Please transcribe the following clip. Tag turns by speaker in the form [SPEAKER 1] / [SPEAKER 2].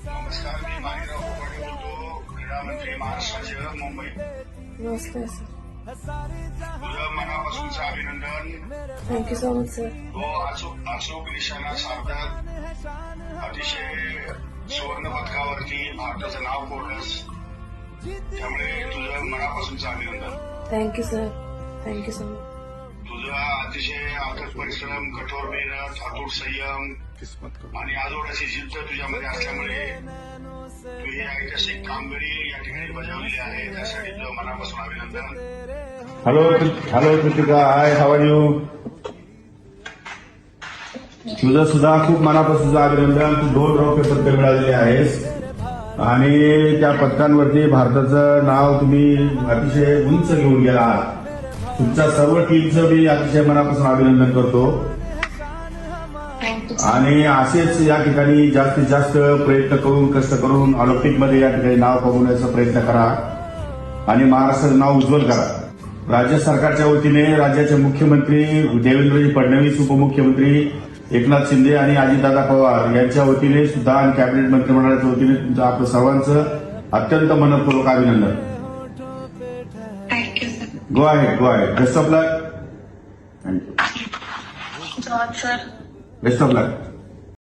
[SPEAKER 1] नमस्कार, मी माणिकराव कोकाटे बोलतो, क्रीडा मंत्री महाराष्ट्राचे मुंबई.
[SPEAKER 2] नमस्ते सर.
[SPEAKER 1] तुझं मनापासूनचं अभिनंदन.
[SPEAKER 2] Thank you so much sir.
[SPEAKER 1] तो अचूक निशाणा साधत अतिशय सुवर्ण पदकावरती भारताचं नाव कोरलंस, त्यामुळे तुझं मनापासूनचं अभिनंदन.
[SPEAKER 2] Thank you sir. Thank you so much.
[SPEAKER 1] तुझा अतिशय अथक परिश्रम, कठोर मेहनत, अतूट संयम आणि आजोबाची जिद्द तुझ्यामध्ये असल्यामुळे तू ही ऐतिहासिक कामगिरी या ठिकाणी बजावलेली आहे, त्यासाठी तुझं मनापासून अभिनंदन.
[SPEAKER 3] Hello Kritika, hi, how are you? तुझं सुद्धा खूप मनापासून अभिनंदन. तू 2 रौप्य पदकं मिळालेली आहेस आणि त्या पदकांवरती भारताचं नाव तुम्ही अतिशय उंच घेऊन गेला आहात. तुमच्या सर्व टीमचं मी अतिशय मनापासून अभिनंदन करतो आणि असेच या ठिकाणी जास्तीत जास्त प्रयत्न करून, कष्ट करून ऑलिम्पिकमध्ये या ठिकाणी नाव कमवण्याचा प्रयत्न करा आणि महाराष्ट्राचं नाव उज्ज्वल करा. राज्य सरकारच्या वतीने राज्याचे मुख्यमंत्री देवेंद्रजी फडणवीस, उपमुख्यमंत्री एकनाथ शिंदे आणि अजितदादा पवार यांच्या वतीने सुद्धा आणि कॅबिनेट मंत्रिमंडळाच्या वतीने तुमचं आपलं सर्वांचं अत्यंत मनपूर्वक अभिनंदन. गो आहे. Best of luck.
[SPEAKER 4] John, sir.
[SPEAKER 3] Best of luck.